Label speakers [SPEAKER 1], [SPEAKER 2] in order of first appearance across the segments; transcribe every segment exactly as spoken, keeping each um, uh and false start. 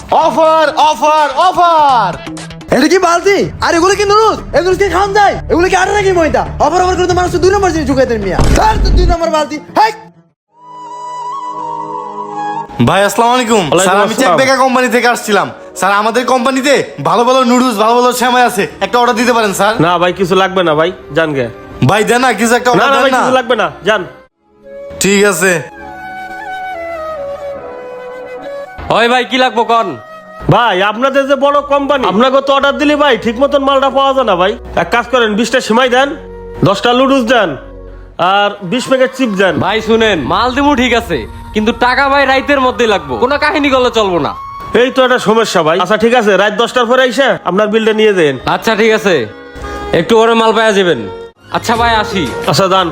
[SPEAKER 1] Offer offer offer.
[SPEAKER 2] এটা কি বালতি? আর এগুলো কি নুডলস? এগুলো কি খাওয়া যায়? এগুলো কি আটা নাকি ময়দা? অফার অফার করে তো মানুষ দুই নম্বর জিনিস ঢুকাই দেন মিয়া। স্যার তো দুই নম্বর বালতি। হাই
[SPEAKER 1] ভাই আসসালামু আলাইকুম। স্যার আমি চেক বেকা কোম্পানি থেকে আসছিলাম। স্যার আমাদের কোম্পানিতে ভালো ভালো নুডলস ভালো ভালো সেমাই আছে, একটা অর্ডার দিতে পারেন স্যার?
[SPEAKER 3] না ভাই কিছু লাগবে না ভাই, জান গে।
[SPEAKER 1] ভাই দেন না কিছু একটা
[SPEAKER 3] না
[SPEAKER 1] অর্ডার
[SPEAKER 3] না ভাই
[SPEAKER 1] দেন না।
[SPEAKER 3] কিছু লাগবে না, জান।
[SPEAKER 1] ঠিক আছে।
[SPEAKER 4] ওই ভাই কি লাগবো কোন?
[SPEAKER 3] ভাই আপনাদের যে বড় কোম্পানি, আপনাকে তো অর্ডার দিলি ভাই ঠিক মতন মালটা পাওয়া যায় না ভাই। এক কাজ করেন, বিশটা সেমাই দেন, দশটা লুডুস দেন, আর বিশ প্যাকেট চিপ দেন।
[SPEAKER 4] ভাই শুনেন, মাল দিমু ঠিক আছে, কিন্তু টাকা ভাই রাইতের মধ্যেই লাগবো, কোনো কাহিনী করলে চলবো না।
[SPEAKER 3] এই তো একটা সমস্যা ভাই। আচ্ছা ঠিক আছে, রাত দশটার পরে এসে আপনার বিলটা নিয়ে দেন।
[SPEAKER 4] আচ্ছা ঠিক আছে, একটু ওরে মাল পাওয়া যাবেন। আচ্ছা ভাই আসি।
[SPEAKER 3] আচ্ছা দান।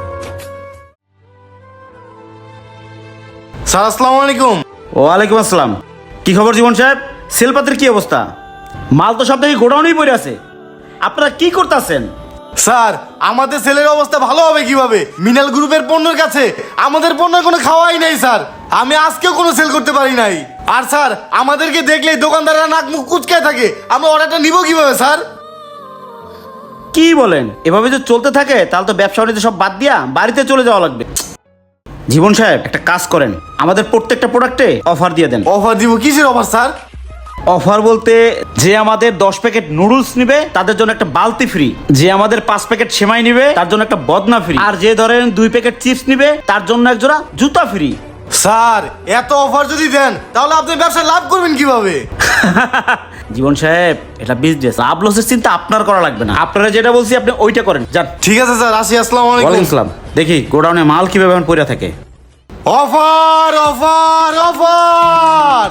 [SPEAKER 1] স্যার আসসালামু আলাইকুম।
[SPEAKER 5] ওয়ালাইকুম আসসালাম। কি খবর জীবন সাহেব? সেলপাতের কি অবস্থা? মাল তো সব থেকে গোডাউনেই পড়ে আছে, আপনারা কি করতেছেন?
[SPEAKER 1] স্যার আমাদের সেলের অবস্থা ভালো হবে কিভাবে? মিনাল গ্রুপের পণ্যের কাছে আমাদের পণ্যের কোনো খাওয়াই নাই স্যার। আমি আজকেও কোনো সেল করতে পারি নাই। আর স্যার আমাদেরকে দেখলেই দোকানদাররা নাক মুখ কুচকায় থাকে, আমরা অর্ডারটা নিব কিভাবে স্যার?
[SPEAKER 5] কি বলেন? এভাবে যদি চলতে থাকে তাহলে তো ব্যবসা বাণিজ্য সব বাদ দিয়া বাড়িতে চলে যাওয়া লাগবে। জীবন সাহেব একটা কাজ করেন, আমাদের প্রত্যেকটা প্রোডাক্টে অফার দিয়ে দেন।
[SPEAKER 1] অফার দিব? কিসের অফার স্যার?
[SPEAKER 5] অফার বলতে, যে আমাদের দশ প্যাকেট নুডলস নিবে তাদের জন্য একটা বালতি ফ্রি, যে আমাদের পাঁচ প্যাকেট সেমাই নিবে তার জন্য একটা বদনা ফ্রি, আর যে ধরেন দুই প্যাকেট চিপস নিবে তার জন্য এক জোড়া জুতা ফ্রি।
[SPEAKER 1] স্যার এত অফার যদি দেন তাহলে আপনি ব্যবসা লাভ করবেন কিভাবে?
[SPEAKER 5] জীবন সাহেব এটা বিজনেস, লাভ লসের চিন্তা আপনার করা লাগবে না। আপনারা যেটা বলছি আপনি ওইটা করেন, যান।
[SPEAKER 1] ঠিক আছে স্যার, আসি। আসসালামু
[SPEAKER 5] ওয়ালাইকুম
[SPEAKER 1] আলাইকুম।
[SPEAKER 5] আসসালাম। দেখি গোডাউনে মাল কিভাবে এখন পড়ে থাকে।
[SPEAKER 1] Offer offer offer.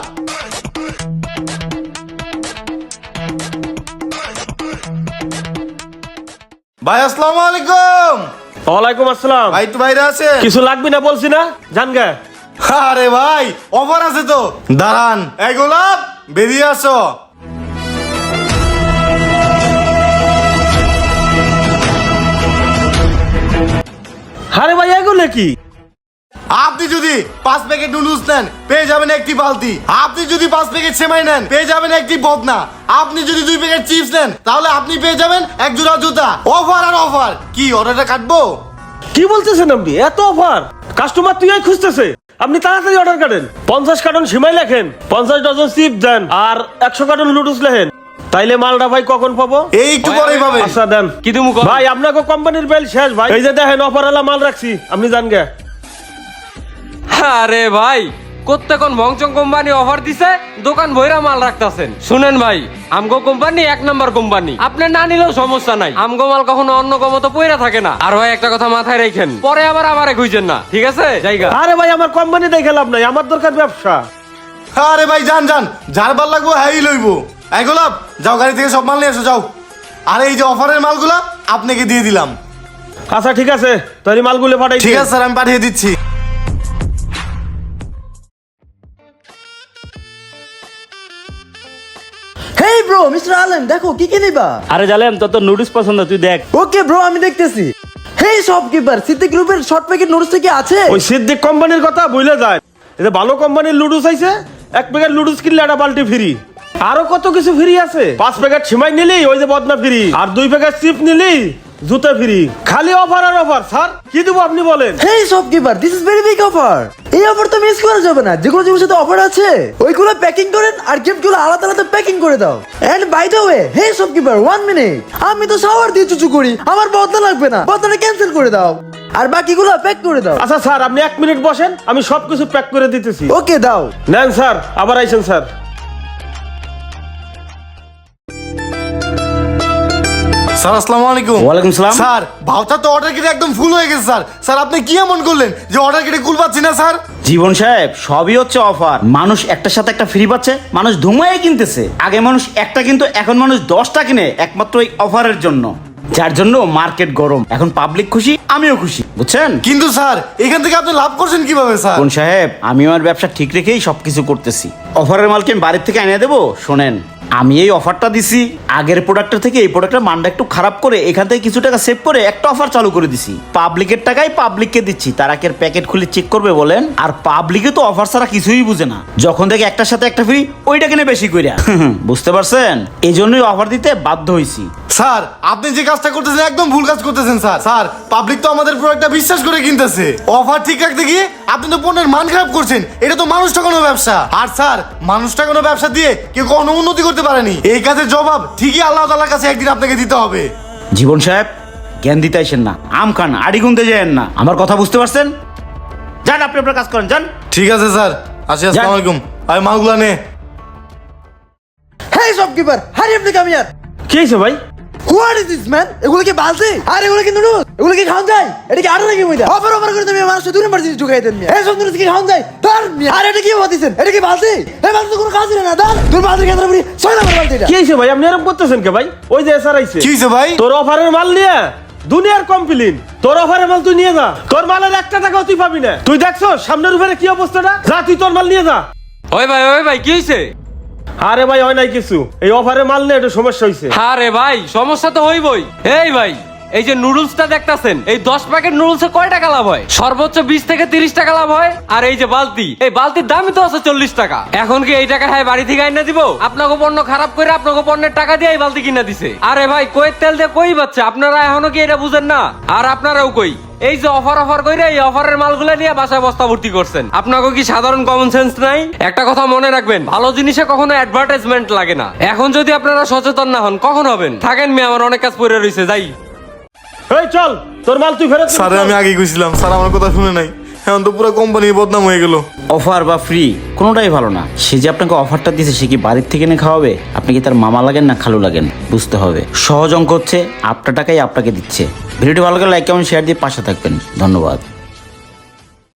[SPEAKER 1] ভাই আসসালামু আলাইকুম।
[SPEAKER 3] ওয়ালাইকুম আসসালাম।
[SPEAKER 1] ভাই একটু বাইরে আছে?
[SPEAKER 3] কিছু লাগবে না বলছি না, জান গে।
[SPEAKER 1] আরে ভাই অফার আছে তো, দাঁড়ান। এই গোলাপ বেরিয়ে আসো।
[SPEAKER 3] আরে ভাই এগুলো কি?
[SPEAKER 1] আপনি যদি পাঁচ প্যাকেট নুডলস নেন পেয়ে যাবেন একটি বালতি। আপনি যদি পাঁচ প্যাকেট সেমাই নেন পেয়ে যাবেন একটি বদনা। আপনি যদি দুই প্যাকেট চিপস নেন তাহলে আপনি পেয়ে যাবেন এক জোড়া জুতা। অফার আর অফার। কি অর্ডারটা কাটবো?
[SPEAKER 3] কি বলতেছেন আপনি? এত অফার? কাস্টমার তুই খুঁজতেছে, আপনি তাড়াতাড়ি অর্ডার করেন। পঞ্চাশ কার্টন সেমাই লেখেন, পঞ্চাশ ডজন চিপ দেন, আর একশো কার্টন লুডুস লেখেন। তাইলে মালটা ভাই কখন পাবো?
[SPEAKER 1] এই একটু পরেই পাবেন।
[SPEAKER 3] আচ্ছা দেন।
[SPEAKER 4] কি দিমু কোন?
[SPEAKER 3] ভাই আপনাকে কোম্পানির বেল শেষ ভাই। এই যে দেখেন অফার আলা মাল রাখছি, আপনি জান গে।
[SPEAKER 4] আরে ভাই কোত্তে কোন ভংচং কোম্পানি অফার দিছে, দোকান ভৈরা মাল রাখতাছেন। শুনেন ভাই, আমগো কোম্পানি এক নাম্বার কোম্পানি, আপনি না নিলেও সমস্যা নাই। আমগো মাল কখনো অন্য কমতো পইরা থাকে না। আর ভাই একটা কথা মাথায় রাখেন, পরে আবার আমারে খুঁজেন না, ঠিক আছে? জায়গা।
[SPEAKER 3] আরে ভাই আমার কোম্পানি দেখে লাভ নাই, আমার দরকার ব্যবসা।
[SPEAKER 1] আরে ভাই যান যান, যার ভাল লাগবো হ্যাঁ লইবো। এই গোলাপ যাও, গাড়ি থেকে সব মাল নিয়ে এসো যাও। আর এই যে অফারের মালগুলা আপনাকে দিয়ে দিলাম।
[SPEAKER 3] আচ্ছা ঠিক আছে, তাহলে মালগুলো পাঠাই।
[SPEAKER 1] ঠিক আছে স্যার, আমি পাঠিয়ে দিচ্ছি।
[SPEAKER 2] হেই ব্রো, মিস্টার আলম দেখো কি কি নিবা?
[SPEAKER 5] আরে জালেম, তোর তো নুডলস পছন্দ, তুই দেখ।
[SPEAKER 2] ওকে ব্রো, আমি দেখতেছি। হেই শপকিপার, সিদ্দিক গ্রুপের শর্ট প্যাকেট নুডলস কি আছে?
[SPEAKER 3] ওই সিদ্দিক কোম্পানির কথা ভুলে যায়। এটা ভালো কোম্পানির লুডুস আইছে, এক প্যাকেট লুডুস কিনলে একটা বালতি ফ্রি। আরো কত কিছু ফ্রি আছে। পাঁচ প্যাকেট সেমাই নিলি ওই যে বদনা ফ্রি, আর দুই প্যাকেট চিপ নিলি জুতা ফ্রি। খালি অফার আর অফার। স্যার কি দেবো আপনি বলেন?
[SPEAKER 2] Hey shopkeeper, this is very big offer. এই অফার তো মিস করা যাবে না। যেগুলো যেগুলোর সাথে অফার আছে ওইগুলো প্যাকিং করেন আর গিফটগুলো আলাদা আলাদা প্যাকিং করে দাও। And by the way, hey shopkeeper one minute, আমি তো শাওয়ার দিয়ে চুচু করি, আমার বদলা লাগবে না, বদলাটা ক্যান্সেল করে দাও আর বাকিগুলো প্যাক করে দাও।
[SPEAKER 3] আচ্ছা স্যার আপনি এক মিনিট বসেন, আমি সবকিছু প্যাক করে দিতেছি।
[SPEAKER 2] ওকে দাও।
[SPEAKER 3] নেন স্যার, আবার আইছেন স্যার।
[SPEAKER 1] স্যার আসসালামু আলাইকুম।
[SPEAKER 5] ওয়ালাইকুম সালাম।
[SPEAKER 1] স্যার ভাউচার তো অর্ডার কেটে একদম ফুল হয়ে গেছে স্যার। স্যার আপনি কি এমন করলেন যে অর্ডার কেটে কুল পাচ্ছি না স্যার?
[SPEAKER 5] জীবন সাহেব সবই হচ্ছে অফার। মানুষ একটার সাথে একটা ফ্রি পাচ্ছে, মানুষ ধুমায় কিনতেছে। আগে মানুষ একটা কিন্তু, এখন মানুষ দশটা কিনে একমাত্র এই অফারের জন্য, যার জন্য মার্কেট গরম। এখন পাবলিক খুশি, আমিও খুশি, বুঝছেন?
[SPEAKER 1] কিন্তু স্যার এখান থেকে আপনি লাভ করছেন কিভাবে স্যার?
[SPEAKER 5] কোন সাহেব, আমি আমার ব্যবসা ঠিক রেখেই সবকিছু করতেছি। অফারের মালকে আমি বাড়ির থেকে এনে দেবো। শোনেন, আমি এই অফারটা দিছি আগের প্রোডাক্টের থেকে এই প্রোডাক্টের মানটা একটু খারাপ করে এখান থেকে কিছু টাকা সেভ করে একটা অফার চালু করে দিছি। পাবলিকের টাকাই পাবলিককে দিচ্ছি, তারা কি প্যাকেট খুলে চেক করবে বলেন? আর পাবলিকে তো অফার ছাড়া কিছুই বুঝে না, যখন দেখে একটার সাথে একটা ফ্রি ওইটা কিনে বেশি কইরা। বুঝতে পারছেন? এই জন্যই অফার দিতে বাধ্য হইছি।
[SPEAKER 1] স্যার আপনি যে কাজটা করতেছেন একদম ভুল কাজ করতেছেন স্যার। স্যার পাবলিক তো আমাদের প্রোডাক্টটা বিশ্বাস করে কিনতেছে, অফার ঠিক রাখতে গিয়ে আপনি তো পণ্যের মান খারাপ করছেন। এটা তো মানুষটা কোনো ব্যবসা, আর স্যার মানুষটা কোনো ব্যবসা দিয়ে কেউ কোনো উন্নতি করতে পারেনি। এই কাজের জবাব ঠিকই আল্লাহ তাআলার কাছে একদিন আপনাকে দিতে হবে।
[SPEAKER 5] জীবন সাহেব জ্ঞান দিতে আসেন না, আম খান আড়ি গুনতে যায়েন না। আমার কথা বুঝতে পারছেন? যান আপনি আপনার কাজ করেন, যান।
[SPEAKER 1] ঠিক আছে স্যার, আসি, আসসালামু আলাইকুম। আয় মালগুলা নে।
[SPEAKER 2] হেই শপকিপার, হারি আপনি কাম ইয়ার।
[SPEAKER 3] কি হয়েছে ভাই?
[SPEAKER 2] What is this man? এগুলো কি বালতি? আর এগুলো কি নুডলস? এগুলো কি খাওয়া যায়? এটা কি আরো নাকি ময়দা? অফার অফার করে তুমি মানুষ দুই নম্বর জিনিস ঢুকাই দেন মিয়া। এই সব নুডলস কি খাওয়া যায়? তার মিয়া। আর এটা কি বাতিছেন? এটা কি বালতি? এই বালতি তো কোনো কাজ না দাদা। তুমি বালতি কেন রাখবি? ছয় নম্বর বালতি এটা।
[SPEAKER 3] কি হয়েছে ভাই? আপনি এরকম করতেছেন কে ভাই? ওই যে এসআর আইছে।
[SPEAKER 1] কি হয়েছে ভাই?
[SPEAKER 3] তোর অফারের মাল নিয়ে দুনিয়ার কমপ্লেন। তোর অফারের মাল তুই নিয়ে যা, তোর মালের একটা টাকাও তুই পাবি না। তুই দেখছো সামনের উপরে কি অবস্থাটা? যা তুই তোর মাল নিয়ে যা।
[SPEAKER 4] ওই ভাই ওই ভাই কি হয়েছে?
[SPEAKER 3] আরে ভাই হয় নাই কিছু, এই অফারের মাল নিয়ে একটু সমস্যা হয়েছে।
[SPEAKER 4] আরে ভাই সমস্যা তো হইবই। এই ভাই এই যে নুডলসটা দেখতাছেন, এই দশ প্যাকেট নুডলসে কয় টাকা লাভ হয়? সর্বোচ্চ বিশ থেকে তিরিশ টাকা লাভ হয়। আর এই যে বালতি, এই বালতির দামই তো আছে চল্লিশ টাকা। এখন কি এই টাকা হ্যাঁ বাড়ি থেকে আইনা দিব? আপনাকে পণ্য খারাপ করে আপনাকে পণ্যের টাকা দিয়ে এই বালতি কিনা দিছে। আরে ভাই কয়ের তেল দিয়ে কই বাচ্চা, আপনারা এখনো কি এটা বুঝেন না? আর আপনারাও কই এই যে অফার অফার কইরা এই অফারের মালগুলো নিয়ে বাসায় বস্তা ভর্তি করছেন। আপনাকে কি সাধারণ কমন সেন্স নাই? একটা কথা মনে রাখবেন, ভালো জিনিসে কখনো অ্যাডভার্টাইজমেন্ট লাগে না। এখন যদি আপনারা সচেতন না হন কখন হবেন? থাকেন মি, আমার অনেক কাজ পড়ে রইছে, যাই।
[SPEAKER 3] এই চল তোর মাল তুই ফেরত।
[SPEAKER 1] স্যার আমি আগে কইছিলাম, স্যার আমার কথা শুনে নাই, এখন তো পুরো কোম্পানির বদনাম হয়ে গেল।
[SPEAKER 5] অফার বা ফ্রি কোনোটাই ভালো না। সে যে আপনাকে অফারটা দিয়েছে সে কি বাড়ির থেকে এনে খাওয়াবে? আপনি কি তার মামা লাগেন না খালু লাগেন? বুঝতে হবে। সহজ অঙ্ক হচ্ছে আপনার টাকাই আপনাকে দিচ্ছে। ভিডিওটি ভালো লাগলে লাইক কমেন্ট শেয়ার দিয়ে পাশে থাকবেন। ধন্যবাদ।